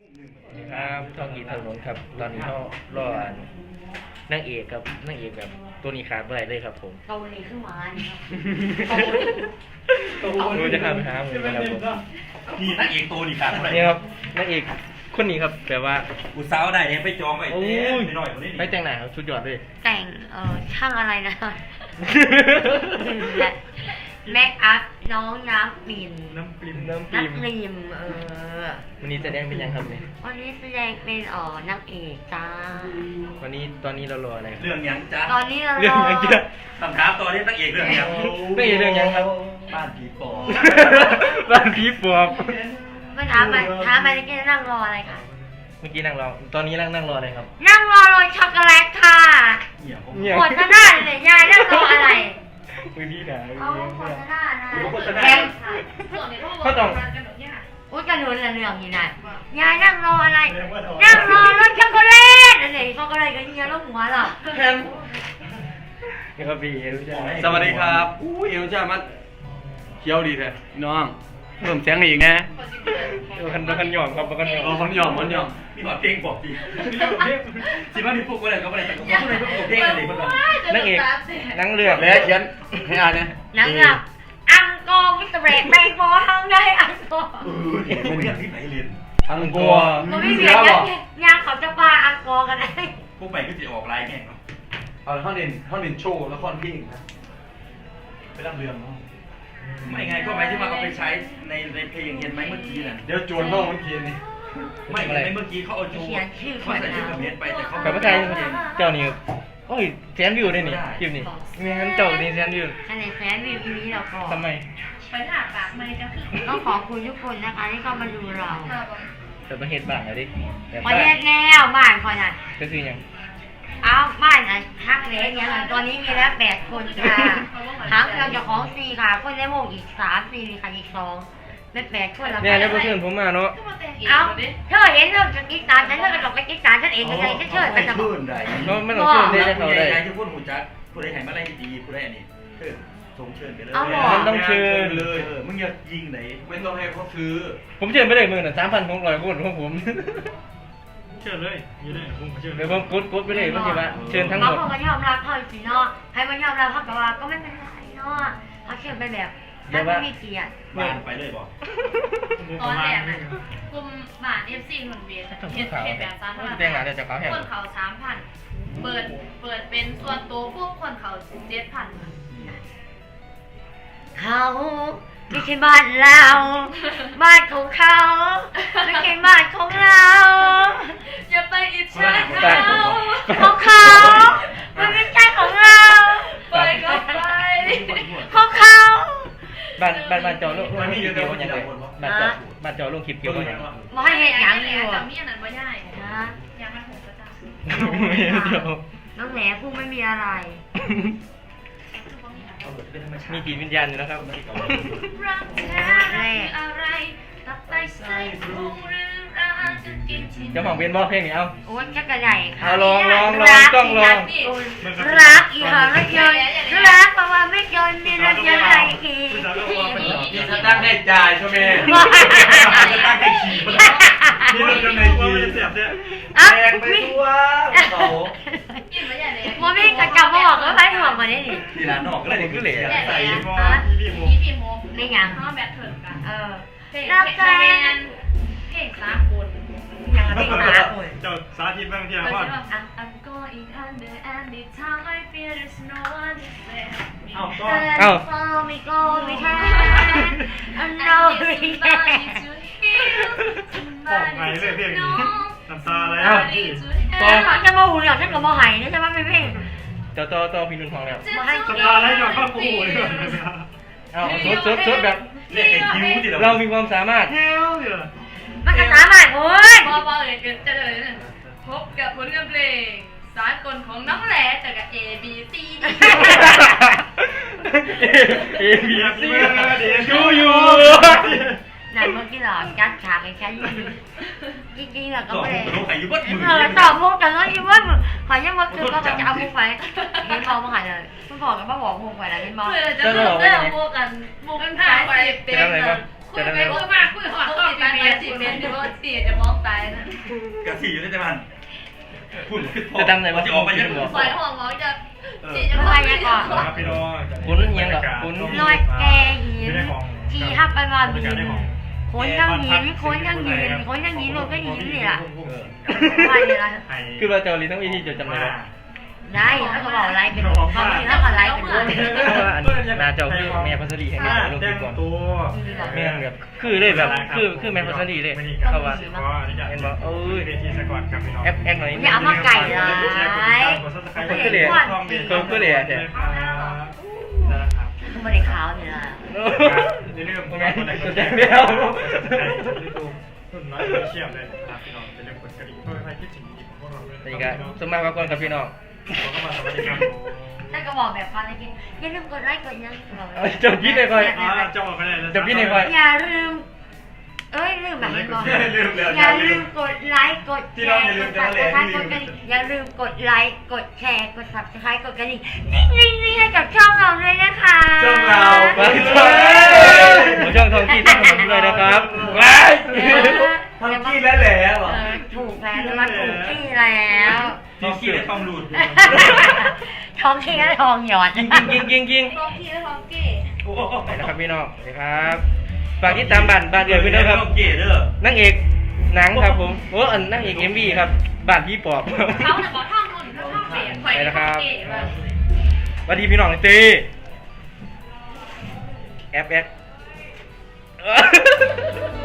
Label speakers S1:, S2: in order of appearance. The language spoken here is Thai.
S1: ครับท่องกีถนนครับตอนนี้เขารอนางเอกกับนางเอกแบบตัวนี้ขาดไปเลยครับผม
S2: เกาหลีขึ้นมาเนี่ย
S1: รู้จะทำหามือนะครับผม
S3: นี่นักเอกตัวนี่ขาดเท่าไหร่
S1: นี่ครับนางเอกคนนี้ครับแบบว่า
S3: อุตสาวได้เนี่ยไปจองไว้
S1: โอ้
S3: เต้
S1: ย
S3: หน่อยคนนี้
S1: ไปแต่งหน้าครับสุดยอดเลย
S2: แต่งช่างอะไรนะแม็กอัพน้องน้ำปิ่น
S1: น้ำปริม
S2: น้ำปริม
S1: วันนี้แสดงเป็นยังครับเนี่ย
S2: วันนี้แสดงเป็นนางเอกจ้า
S1: วันนี้ตอนนี้เรารออะไรครับ
S3: เรื่องยังจ้า
S2: ตอนนี้เรา
S1: เรื่องยังเยอะ
S3: คำถามตอนนี้นักเอกเรื่องยัง
S1: นางเอกเรื่องยังครับ
S3: บ้านผีปอบ
S1: บ้านผีปอบ
S2: ไม่ถามไปแล้วก็นั่งรออะไรค่ะ
S1: เมื่อกี้นั่งรอตอนนี้นั่งรออะไรครับ
S2: นั่งรอโรยช็อกโกแลตค่ะ
S3: เหี้ยผม
S1: เนี่ย
S2: โฆษณาเลยยายนั่งรออะไร
S1: มือพี่ด่า
S2: เอาโฆษณานะ
S1: แทงเขาต้อง
S2: อุ้ยกระโดดเรื่องนี่นะยายนั่งรออะไร นั่งรอรถช็อกโกแลตอะไรช็อกโกแลตกับเฮียลูกหัวเหรอ
S1: แทงนี่ครับพี่รู้จักไหม
S4: สวัสดีครับอู้เอวจ้ามันเขียวดีแท้น้องเพิ่มเสียงอีกนะ
S1: กันหย่อมครับกันหย่อม
S4: มันหยอมมันหยอม
S3: มีหอดเพลงบอกดีสิว่ามีพวกอะไรก็อะไรแต่ก็พูดอะไรพวกเพลงอะไรพวกนั้น
S1: นางเอกนางเลือก
S4: แล้วเขียนให้อ่านเนี่ย
S2: นั่งแบบอังกอร์มิสเตอร์เบรกแบงบอลทำได้อังกอร์
S3: ผมเรียนที่ไหนเรียน
S4: ทั้งกลัว
S2: มันไม่เบียดยังเขาจะปาอังกอร์กันได้
S3: พวกใหม่ก็จะออกลายแง่
S4: เอาห้องเด่นโชว์ละครเพลงนะไปรับเรื่องเนาะ
S3: ไม่ไงก็หมายที่ว่าเอาไปใช้ในเพลงเห็นไหมเมื่อกี้น่ะ
S4: เดี๋ยวจวนห้องเมื่อกี้นี่
S3: ไม่ในเมื่อกี้เขาเอาจูเขาใส่ชุดกระเม็ดไปแต่เขา
S1: กับพระไทยเจ้านี่โอ้ยแสนวิวได้นี่คลิปนี้มีงั้นเจ้านี่แสนวิว
S2: คะแนนแฟนวิวทีนี้เราก็
S1: ทำไม
S5: ไปถามปากไม่ก็คือ
S2: ต้องขอบคุณทุกคนนะคะที่เข้ามาดูเรา
S1: แต่ประเทศบ้านอะดิแบบ
S2: ประเทศแนวบ้านคอยน่ะ
S1: ก็คือยัง
S2: เอาบ้านอ่ะฮักเล็กเนี่ยตอนนี้มีแล้ว8 คนค่ะฮักเราจะของ4ค่ะคนในวงอีก3 4ค่ะอีก2เป็น8 คนแล้ว
S1: เนี่ยแล้วเพื่อนผมมาเนาะ
S5: ก็มาแต่งเอง
S2: เอา
S5: ดิ
S2: เธอเห็นเธอจะกินตาฉันเธอก็ต้องไปกินตาฉันเองยังไงฉันเชิญไปจะบอก
S3: ได้
S1: ก็ไม่ต้องเชื่อได้เขาได้
S3: ยายจะพูดหูจักพูดได้ไหนมาไล่ดีพูดได้อันนี้เชิญส่งเชิญไปเลย
S1: มันต้องเชิญ
S3: เลยมึงอย่ายิงไหน
S4: ไม่ต้องให้เขาซื้อ
S1: ผมเชิญไปเลยมือน่ะ3,600คนของผม
S6: เชื่อเลยอยู่เลยผมเชื่อ
S1: เดี๋ยวผมกดไปเลยมันจะว่าเชิญทั้งหม
S2: บาง
S1: ด
S2: คนก็ยอมรับเขาสิเนาะให้มันยอมรับเขาแต่ว่าก็ไม่เป็นไรเนาะเขาเชิญไปแบบนั่นไม่มีเกียรติ
S3: บ้านไปเลยบอก
S5: ตอนแรกน่ะกลุ่มบาท FC หนุนเบียร์เฮ็ดแบบ3,000
S1: แต่งงานจะเขาแห่ง
S5: คนเขา 3,000 เปิดเป็นส่วนตัวพวกคนเขา 7,000
S2: เขาไม่ใช่บ้านเราบ้านของเขาไม่ใช่บ้านของเรา
S5: อย่าไปอิจฉาเขา
S2: ของเขามันไม่ใช่ของเรา
S5: ไปก็ไป
S2: ของเขา
S1: บ้านจอลูกคลิปเกี่ยวกับยังไงบ้านจอลูกคลิปเกี่ยวกับยังไง
S2: บ่ให้เห็นอย่างนี้
S5: จำ
S2: ว่ะ
S5: มีอันนั้นบ่ได้
S2: นะ
S5: ยังมันหกประจา
S2: น้องแหนพูดไม่มีอะไร
S1: มีจิตวิญญาณอยู่นะครับ
S5: รักแท้คืออะไรตับไตไส้พุงหรือรักจะกินที่
S1: เจ้าของเป็นบอกเพลงนี้เอา
S2: โอ้ยจักรใหญ่ค่ะ
S1: เอาลองต้องลอง
S2: รักอีหารถยนต์รักเพราะว่าไม่ยนต์มีรถยนต์อะไรขี่
S4: นี่ถ้าตั้งได้จ่ายใช่ไหม
S3: ตั้งให้ขี่
S6: นี่เราจะในกีเสียบเนี่ย
S2: อ่ะ
S4: แพงไปตัวเขา
S5: กินไม่ใหญ่เลย
S2: โมมี่กระจับบอกแล้วไปถ่วงกว่านี้ดิ
S3: ที่ร้านนอกก็เลยคือเหล่ใส่
S6: มอพี่โม
S5: นี่พี่โม
S2: ไม่ยัง
S5: เขาแบทเทิลกัน เพลง
S2: รักแฟน
S5: เพลงสากล
S2: ยังไม่ตาคน
S6: เจ้าสาธิตบ้างที่
S5: เอ
S6: อา
S5: อ
S6: พ่อ
S5: ใช่ป่ะ I'm going under and the time I feel there's no one to save me
S6: เอาก็
S1: เอ้า
S2: follow me go me can I
S5: I
S2: know
S5: need
S2: me
S5: somebody
S2: can
S5: to heal
S6: บอกไง
S5: somebody
S6: เลยเพล
S5: to
S6: งนี้
S5: know
S6: น้ำตาอะไร
S5: somebody
S6: พี่
S5: to
S2: ตอน
S5: help
S2: จะมาหูเหลืองฉันก็มาหายนี่ใช่ไหมไม่เพ่ง
S1: ต่อพี่นุ่นของแล้ว
S2: มาให้
S6: น้ำตาอะไรก่อนก็โอ้โหเลย
S1: เอาสดแบบ
S3: เรียกไอ้คิ้วที่
S1: เรามีความสามารถ
S6: เฮ้ยเนี่ย
S2: มันก็สามารถโอ้ย
S5: พอเลยจะเลยเนี่ยพบกับผลงานเพลงสากลของน้องแหล่จากกับ A B C D
S1: เอพีซีดู
S6: อ
S1: อยู่
S2: นั่นเมื่อกี้หรอจัดฉากให้ฉันจริงๆอะก็
S3: สอง
S2: ไม่ได้
S3: ตัวไข่ยุบมือ
S2: ตอบมุกกันแล้วยิ่งว่าขอยังว่าคือก็จะเอามุกไปเห็นบอกมาหายเลยคุณบอกกันว่าบอกมุกไปแล้วเห็นบอก
S5: เพื่อจะเริ่มเรื่องโมกันโมกันถ่ายไปเป็นคุยไปคุยมาคุยหอดก็ติดไปสิเป็นที่ว่าสี่จะมองตายนะ
S3: กะสีอยู่ในแต่มันพูดขึ้น
S1: จะจำไหนว่า
S3: จะออกไปยัง
S1: จะบอก
S5: ปล่อยห่วงหมอจะ
S2: ไม่ว่ายังก่อน
S6: ครับพี่น้อง
S1: คุณยังเหรอคุณ
S2: ลอยแกหินขี่ห้าไปมาบินคนทั้งหินคนทั้งหินคนทั้งหินรถก็หินนี่แหละว่าอย่างไร
S1: คือเราจะเอาลิ้นทั้งวิธีจะจำไหนวะ
S2: ได้ถ้าเขาบอกอะไรเป็นบางทีถ้าเขาอะไรเป็น
S1: เพราะว่าอันนาเจ้าคือแม่พัสดีให้แม่ลง
S6: แจ้
S1: คลิ
S6: ง
S1: ปก่อน
S6: ตัว
S1: แม่แบบคือเลยแบบคือแม่พัสดีเลยเพราะว่าเห็นบอกเอ้ย
S6: เวทีสกอตครับพี่น้อง
S1: แอปหน่อย
S2: อย่าเอามาไก่ร้าย
S1: คนก็เลยคนก็เลยแต่
S6: นะครับ
S2: คือไม่ได้ขาวนี่ละ
S6: อย่าลืม
S1: แม่
S6: คนไหน
S1: จะ
S6: ก็
S1: แจ้
S6: แจ้
S1: ง
S6: ง
S1: ไม่
S6: ไม่
S1: เอา
S6: เอารุ่นน้อยเชี่ยมเลยครับพี่น้องอย่าลืมกดกระดิ่งเพื่อให้คิดถึงอีกพวกเราด้วย
S1: นี่ก็สมัครกับคนกับพี่น้อง
S6: เข้ามาสวัสดีครับ
S2: ถ้าก็บอกแบบฟังในคลิปอย่าลืมกดไลค์กดยัง
S1: จบพี่เลยก่อน
S6: จะออกไปไหน
S1: จบพี่เลยก่อน
S2: อย่าลืมลืมแบบนี้ก่อนอย่าลืมกดไลค์กดแชร์กด subscribe กดกระดิ่งอย่าลืมกดไลค์กดแชร์กด subscribe กดกระดิ่งนี่ให้กับช่องเราด้วยนะคะ
S1: ช่องทองที่ต้องขอบคุณเลยนะครับว้าย
S2: ทำที่แล้วแล้วถูกแล้วมาถูกที่แล้ว
S3: ทองขี้และทองหลุด
S2: ทองที่และทองหยอด
S1: ยิง
S5: ท้องพี่และท้องเก๋
S1: ไปนะครับพี่น้องสวัสดีครับฝากติดตามบ้านเดือดพี่น้องครับ
S3: เก๋เด้อน
S1: างเอกหนังครับผมโอ้อันนางเอกMVครับบ้านพี่ปอบ
S5: เขาแต่บอกท่องนุ่นท่องเก๋คอยท่องเก๋มา
S1: สวัสดีพี่น้องตีแอป